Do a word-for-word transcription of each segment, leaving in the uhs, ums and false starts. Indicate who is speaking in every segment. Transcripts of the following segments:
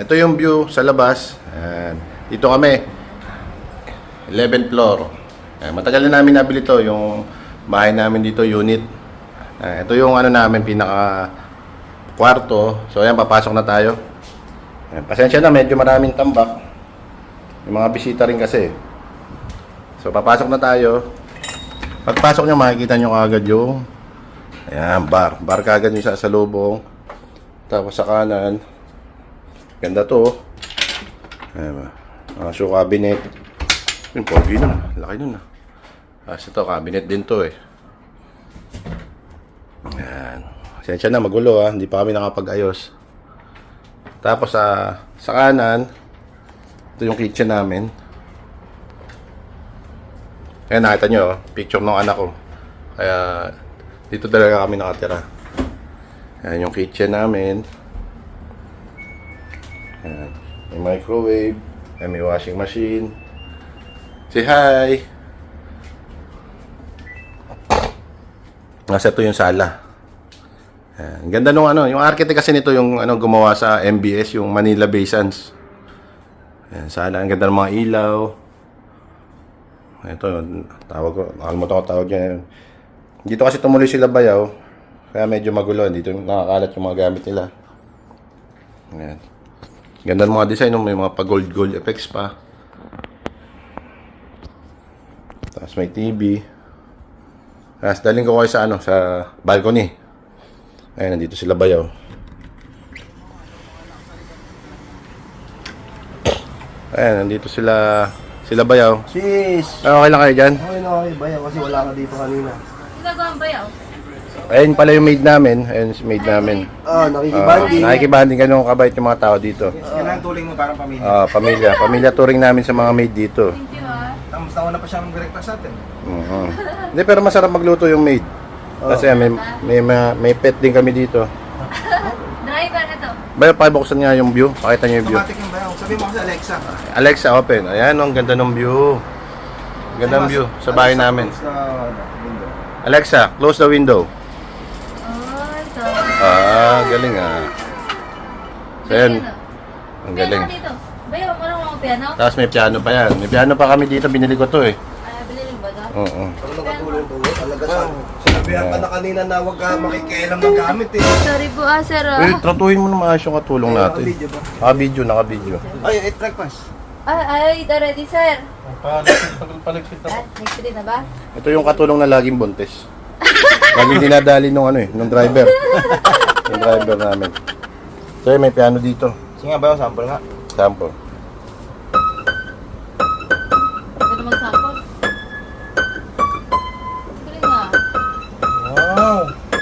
Speaker 1: ito yung view sa labas. Ayan. Dito kami. eleventh floor. Ayan. Matagal na namin nabili to. Yung bahay namin dito, unit. Ayan. Ito yung ano namin, pinaka kwarto. So ayan, papasok na tayo. Ayan. Pasensya na, medyo maraming tambak. Yung mga bisita rin kasi. So papasok na tayo. Pagpasok nyo, makikita nyo kagad yung ayan, bar. Bar kagad yung sa salubong. Tapos sa kanan, ganda to. Ayan, mga shoe cabinet. Yung pogi nun, laki nun. Tapos ito, cabinet din to eh. Ayan. Sensya na, magulo ah. Hindi pa kami nakapag-ayos. Tapos sa, sa kanan, ito yung kitchen namin. Ayan, nakita nyo, picture ng anak ko. Kaya, dito talaga kami nakatira. Ayan yung kitchen namin. Ayan. May microwave. Ayan, may washing machine. Say hi! Nasa ito yung sala. Ayan. Ganda nung ano. Yung architect kasi nito yung ano, gumawa sa M B S, yung Manila Bay Sands. Ayan, sala. Ang ganda ng mga ilaw. Ito, tawag ko. Nakalimutan ko tawag niya. Dito kasi tumuloy sila bayaw. Kaya medyo magulo. Dito nakakalat yung mga gamit nila. Ayan. Ganda ng mga design. May mga pa-gold-gold effects pa. Tapos may T V. Tapos daling ko kayo sa ano, sa balcony. Ayan, nandito sila bayaw. Ayan, nandito sila sila bayaw.
Speaker 2: Sis!
Speaker 1: Ah, okay lang kayo dyan?
Speaker 2: Okay na okay, bayaw kasi wala ka dito kanina.
Speaker 3: Ginagawa ang bayaw?
Speaker 1: Ayun pala yung maid namin. Ayun si maid namin.
Speaker 2: Ah, nakikibanding.
Speaker 1: Uh, nakikibanding ganun kabait yung mga tao dito.
Speaker 4: Yan ang tuling mo parang pamilya.
Speaker 1: Ah, pamilya. Pamilya touring namin sa mga maid dito.
Speaker 3: Thank you ah.
Speaker 4: Tapos nauna pa siyang breakfast natin.
Speaker 1: Mhm. Hindi, pero masarap magluto yung maid. Kasi may, may, may, may pet din kami dito.
Speaker 3: Driver na to.
Speaker 1: Bayo, pakibuksan nga yung view. Pakita niyo yung view.
Speaker 4: Automatic yung bayaw. Sabi mo kasi Alexa.
Speaker 1: Alexa, open. Ayan, ang ganda ng view. Ganda ng view sa bahay namin.
Speaker 4: Sa window.
Speaker 1: Alexa, close the window.
Speaker 3: Oh, ito.
Speaker 1: Ah, galing ah. So, yan. Ang
Speaker 3: Piano
Speaker 1: galing.
Speaker 3: ka dito. Bayaw, marunong ako piano?
Speaker 1: Tapos may piano pa yan. May piano pa kami dito. Binili ko to eh.
Speaker 3: Ah, binili ba ito?
Speaker 1: Oo.
Speaker 2: Ano nakatulong to? Talaga sa... Sinabihan ka na kanina na huwag ka makikialam ng gamit eh.
Speaker 3: Sorry po ah, sir ah.
Speaker 1: Uy, tratuhin mo na maayos yung katulong natin.
Speaker 2: Naka-video ba?
Speaker 1: Naka-video, naka-video.
Speaker 2: Ay, eat breakfast.
Speaker 3: Ay, ay, ito ready sir.
Speaker 1: Paligsit
Speaker 3: Ah, next day na ba?
Speaker 1: Ito yung katulong na laging buntis. Laging dinadali nung ano eh, nung driver. Yung driver namin. So may piano dito.
Speaker 4: Sige nga bayaw, sample nga.
Speaker 1: Sample.
Speaker 3: Ito naman sample. Galing nga.
Speaker 4: Wow!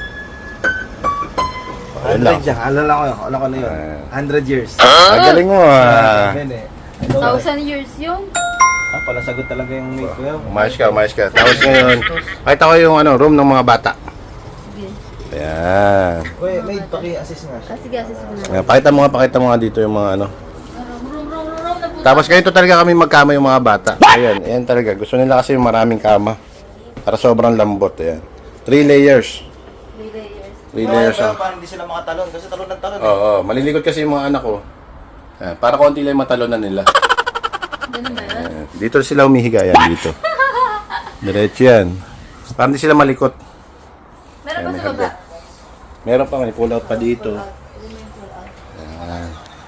Speaker 1: Ayun lang.
Speaker 4: one hundred yan. Alala ko yun. Alala ko na yun.
Speaker 1: Ah.
Speaker 4: one hundred years.
Speaker 1: Ah, galing mo ah.
Speaker 4: Yan eh.
Speaker 3: Thousand years yun.
Speaker 4: Ah, pala sagot talaga yung mate ko yun.
Speaker 1: Umayos ka, umayos ka. Tapos ngayon, kahit ako yung ano, room ng mga bata.
Speaker 3: Sige.
Speaker 1: Ayan.
Speaker 4: Uy, mate, paki-assist nga siya.
Speaker 3: Ah, sige, assist mo na.
Speaker 1: Ayan. Pakita mo nga, pakita mo nga dito yung mga ano.
Speaker 3: Rum, rum, rum, rum, na po.
Speaker 1: Tapos ganito talaga kami magkama yung mga bata. Ayan, ayan talaga. Gusto nila kasi yung maraming kama. Para sobrang lambot. Ayan. Three layers.
Speaker 3: Three layers.
Speaker 1: Three layers.
Speaker 4: Bayaw,
Speaker 1: Oh.
Speaker 4: parang hindi sila makatalon. Kasi talon ng talon.
Speaker 1: Oo, oh, malilikot kasi yung mga anak ko. Ayan, para konti lang yung matalo na nila.
Speaker 3: Ganun ba yun?
Speaker 1: Ayan, dito sila humihiga. Ayan, dito. Diretso yan. Para hindi sila malikot.
Speaker 3: Meron pa sa baba?
Speaker 1: Meron pa, may pull out pa dito.
Speaker 3: Ayan.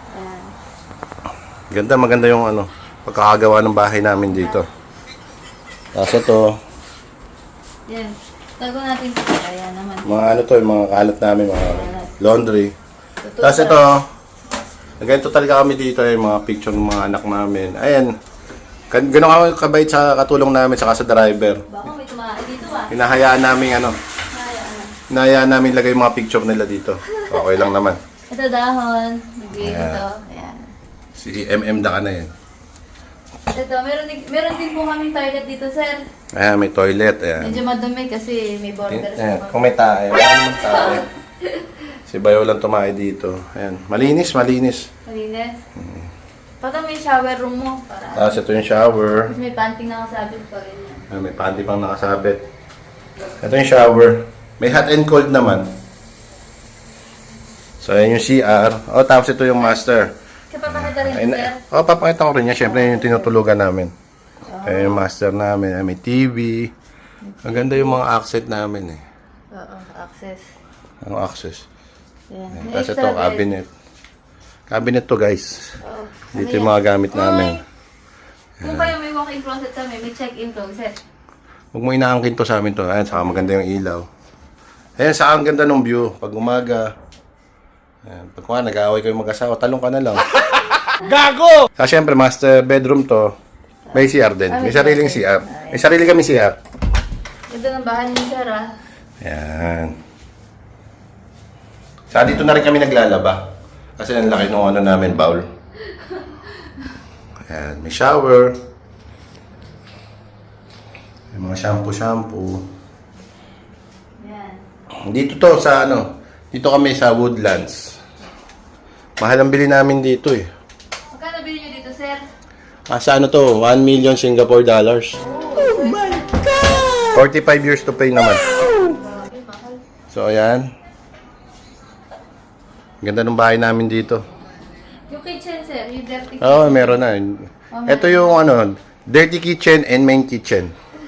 Speaker 1: Ganda, maganda yung ano, pagkakagawa ng bahay namin dito. Tapos ito,
Speaker 3: Yan. Tago natin ito. Ayan naman.
Speaker 1: mga ano to, yung mga kalat namin, mga laundry. Tapos ito, ganito talaga kami dito, yung mga picture ng mga anak namin. Ayan, gan- gano'n ako kabait sa katulong namin, saka sa driver.
Speaker 3: Baka may tumahay dito ah.
Speaker 1: Hinahayaan namin ano,
Speaker 3: Ayan.
Speaker 1: hinahayaan namin lagay yung mga picture nila dito. Okay lang naman.
Speaker 3: Ito dahon. Nagbigay
Speaker 1: Ayan.
Speaker 3: ito. Ayan.
Speaker 1: Si M M da ka na yan.
Speaker 3: Ito, meron, din- meron din po kaming toilet dito, sir.
Speaker 1: Ayan, may toilet, ayan.
Speaker 3: Medyo madumi kasi may border
Speaker 1: Ayan,
Speaker 3: sa
Speaker 1: kung may tae, wala namang tae. Si Bayo lang tumae dito. Ayan, malinis, malinis.
Speaker 3: Malinis. Pata may shower room mo. Para.
Speaker 1: Tapos ito yung shower.
Speaker 3: Tapos may panting nakasabit pa ganyan.
Speaker 1: Ayan, may panty pang nakasabit. Ito yung shower. May hot and cold naman. So, ayan yung C R. O, tapos ito yung master.
Speaker 3: Sa papakita rin,
Speaker 1: Ayun,
Speaker 3: sir.
Speaker 1: oh, papakita ko rin yan. Siyempre, yung tinutulugan namin. Ayun yung master namin. Ay, may T V. Maganda yung mga accent namin eh.
Speaker 3: Oo, access.
Speaker 1: Ang access.
Speaker 3: Ayan. May
Speaker 1: Tapos
Speaker 3: extra
Speaker 1: ito,
Speaker 3: bed.
Speaker 1: cabinet. Cabinet to guys.
Speaker 3: Oo.
Speaker 1: Dito
Speaker 3: Ano
Speaker 1: yung
Speaker 3: yan?
Speaker 1: mga gamit namin.
Speaker 3: Kung kayo may walk-in closet kami, may check-in closet.
Speaker 1: Huwag mo inaangkin to sa amin to. Ayan, saka maganda yung ilaw. Ayan, saka ang ganda ng view. Pag umaga. Ayan, pag kuha, nag-aaway kayo mag-asawa, talong ka na lang. Gago! Saka syempre, master bedroom to. May C R din. May sariling C R. May sarili kami C R.
Speaker 3: Ito ng bahay ni sir, ah.
Speaker 1: Ayan. Saka dito na rin kami naglalaba. Kasi ang laki ng ano namin, bowl. Ayan, may shower. May mga shampoo-shampoo.
Speaker 3: Yan.
Speaker 1: Dito to sa ano, dito kami sa Woodlands. Mahal ang bili namin dito eh.
Speaker 3: Magkano bilhin nyo dito, sir?
Speaker 1: Ah, sa ano to, one million Singapore dollars.
Speaker 3: Oh my God!
Speaker 1: forty-five years to pay naman.
Speaker 3: Grabe, mahal.
Speaker 1: So ayan. Ganda ng bahay namin dito.
Speaker 3: Yung kitchen, sir, yung dirty kitchen.
Speaker 1: Oo, oh, meron na. Ito yung ano, dirty kitchen and main kitchen.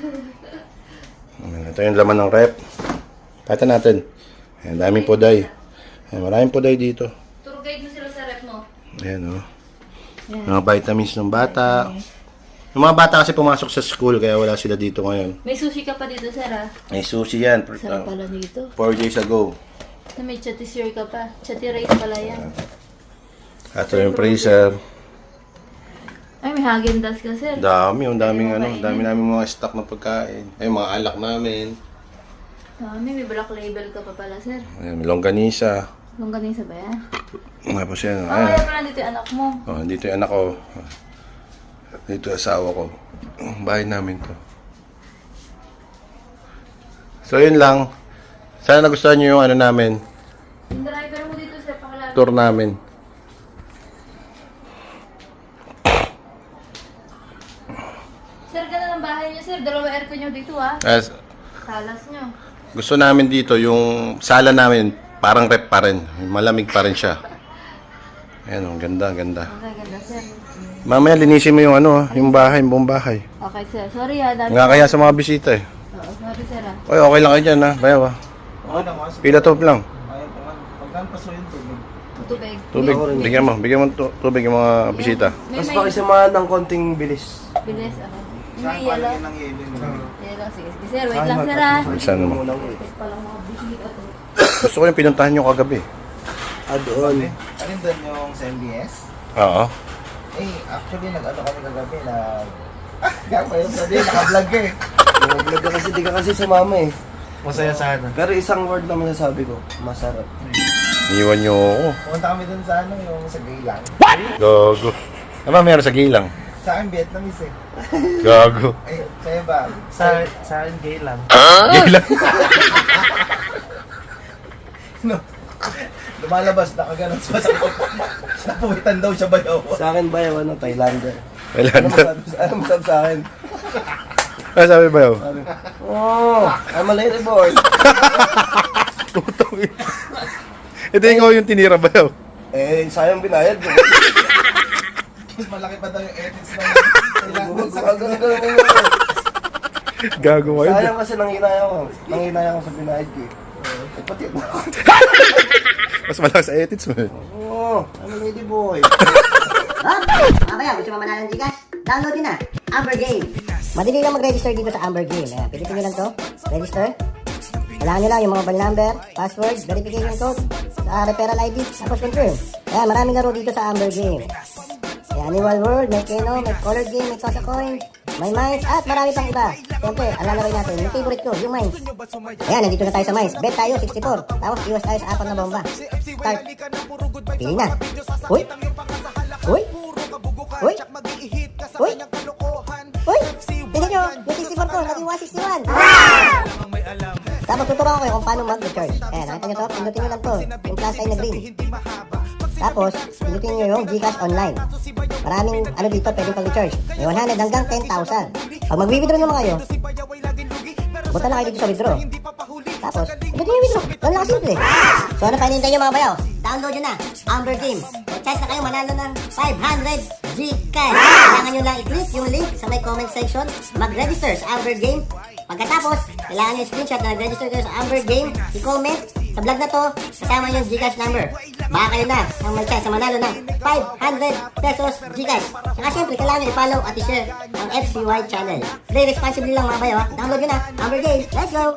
Speaker 1: Ito yung laman ng rep. Kata natin. Ayan, daming poday. Ayan, maraming poday dito.
Speaker 3: Tour guide mo sila sa rep mo.
Speaker 1: Ayan o. Oh. Mga vitamins ng bata. Yung mga bata kasi pumasok sa school kaya wala sila dito ngayon.
Speaker 3: May sushi ka pa dito, sir, ah.
Speaker 1: May sushi yan.
Speaker 3: Sarap
Speaker 1: Uh,
Speaker 3: pala dito.
Speaker 1: four days ago.
Speaker 3: Na may chatisir ka pa. Chati rice pala yan.
Speaker 1: Ito yung freezer.
Speaker 3: Ay, may Häagen-Dazs ka, sir.
Speaker 1: Dami, yung daming
Speaker 3: Ay,
Speaker 1: ano,
Speaker 3: makainin.
Speaker 1: dami namin mga stock na pagkain. Ay, mga alak namin.
Speaker 3: Dami, may black label ka pa pala, sir.
Speaker 1: Ayan, may longganisa.
Speaker 3: Longganisa ba yan?
Speaker 1: Tapos yan.
Speaker 3: Ah,
Speaker 1: Ayan.
Speaker 3: kaya pala dito yung anak mo.
Speaker 1: Oh, dito yung anak ko. Dito yung asawa ko. Bahay namin to. So, yun lang. Sana nagustuhan nyo yung ano namin,
Speaker 3: Yung driver mo dito, sir, pakilala.
Speaker 1: tour namin.
Speaker 3: Sir, ganda ng bahay niyo, sir. Dalawa aircon nyo dito, ah.
Speaker 1: As,
Speaker 3: Salas nyo.
Speaker 1: gusto namin dito, yung sala namin, parang rep pa rin. Malamig pa rin siya. Ayan, ang ganda, ganda.
Speaker 3: Okay, ganda, sir.
Speaker 1: Mamaya linisin mo yung ano, yung bahay, yung buong bahay.
Speaker 3: Okay, sir. Sorry, ah. Dami.
Speaker 1: Nga kaya sa mga bisita eh.
Speaker 3: Oo, sorry, sir, ah.
Speaker 1: Oy, okay lang kayo dyan ha. Bayaw ha.
Speaker 4: Oo lang, kasi
Speaker 1: Pila top lang.
Speaker 4: ayaw ko man. Pagkaan pa so yun tubig.
Speaker 3: Tubig.
Speaker 1: Tubig. Bigyan mo. Bigyan mo tu- tubig yung mga bisita.
Speaker 3: May
Speaker 2: Mas
Speaker 3: may
Speaker 2: pakisamahan ng konting bilis.
Speaker 3: bilis, okay. May
Speaker 4: Saan
Speaker 3: yellow.
Speaker 4: palagyan ng yelo yun?
Speaker 3: Yellow, sige. Sige, sir. Wait lang, sir, ah.
Speaker 1: Saan mo?
Speaker 2: Munang eh.
Speaker 3: Palang mga bisita to.
Speaker 1: Gusto ko yung pinuntahan nyo kagabi.
Speaker 2: Ah, doon.
Speaker 4: Alin doon yung sa M B S?
Speaker 1: Oo.
Speaker 4: Eh, actually, nag-ano kami kagabi na... Ah, gagawin yung sabi, naka-vlog ka eh.
Speaker 2: Nag-vlog ka kasi, di ka kasi sumama eh.
Speaker 4: Masaya sana.
Speaker 2: Pero isang word lang masasabi ko, masarap.
Speaker 1: Iwan nyo ako.
Speaker 4: Pumunta kami doon sa ano, yung sa Gaylang.
Speaker 1: Gago. Ano ba meron sa gilang?
Speaker 4: Sa akin, Vietnamese eh.
Speaker 1: Gago.
Speaker 4: Eh, sa'yo ba? Sa, sa akin, Gaylang.
Speaker 1: Gilang.
Speaker 4: No. Lumalabas, nakaganon sa masakit. Napuwitan daw siya bayaw.
Speaker 2: Sa akin ba yung ano, Thailander? Ano
Speaker 1: Kailan
Speaker 2: masabi, ano masabi sa akin?
Speaker 1: Ano sabi ba yun?
Speaker 2: Sabi, oh, I'm a lady boy.
Speaker 1: Tutong yun. Ito ikaw yung tinira ba yun?
Speaker 2: Eh, sayang binayad ko.
Speaker 4: Mas malaki pa daw yung edits ng
Speaker 2: Huwag ko gagawin ko lang yun.
Speaker 1: Gago kayo.
Speaker 2: Sayang kasi nanginaya ko. Nanginaya ko sa binayad ko eh. Eh, pati ako.
Speaker 1: Mas malakas sa edits mo eh.
Speaker 2: Oh, I'm a lady boy.
Speaker 5: Oh, mamaya, gusto mo manalo ng Gcash? Download din na, Amber Game. Madali lang mag-register dito sa Amber Game. Ayan, pilitin nyo lang to, register. Kailangan nyo lang yung mga mobile number, password, verification code, sa referral I D, tapos confirm. Ayan, maraming laro dito sa Amber Game. May Annual World, may Keno, may Color Game, may Tosa Coin, may Mines, at marami pang iba. Siyempre, alam na rin natin, yung favorite ko, yung Mines. Ayan, nandito na tayo sa Mines. Bet tayo, sixty-four. Tapos, iwas tayo sa apat na bomba. Start. Pili na. Uy! Uy! Uy! Uy! Uy! Tingnan nyo, yung sixty-four ko, naging one sixty-one. Tapos tuturuan ko kayo kung paano mag-recharge. Ayan, nakita nyo to? Pindutin nyo lang to. Yung plus sign na green. Tapos, pindutin nyo yung Gcash online. Maraming ano dito pwedeng pag-recharge. May one hundred hanggang ten thousand. Pag mag-withdraw naman kayo, punta lang kayo dito sa withdraw. Tapos, pindutin nyo yung withdraw. Ganun lang simple. So ano pa hinihintay nyo mga bayaw? Download nyo na, Amber Game. chance na kayo manalo ng five hundred Gcash. Kailangan nyo lang i-click yung link sa may comment section, mag-register sa Amber Game. Pagkatapos, kailangan nyo screenshot na nag-register kayo sa Amber Game, i-comment sa vlog na to, kasama yung Gcash number. Baka kayo na ang may chance na manalo ng five hundred pesos Gcash. Saka syempre, kailangan nyo i-follow at i-share ang F C Y channel. Play responsibly lang mga bayo ha. Download nyo na, Amber Game. Let's go!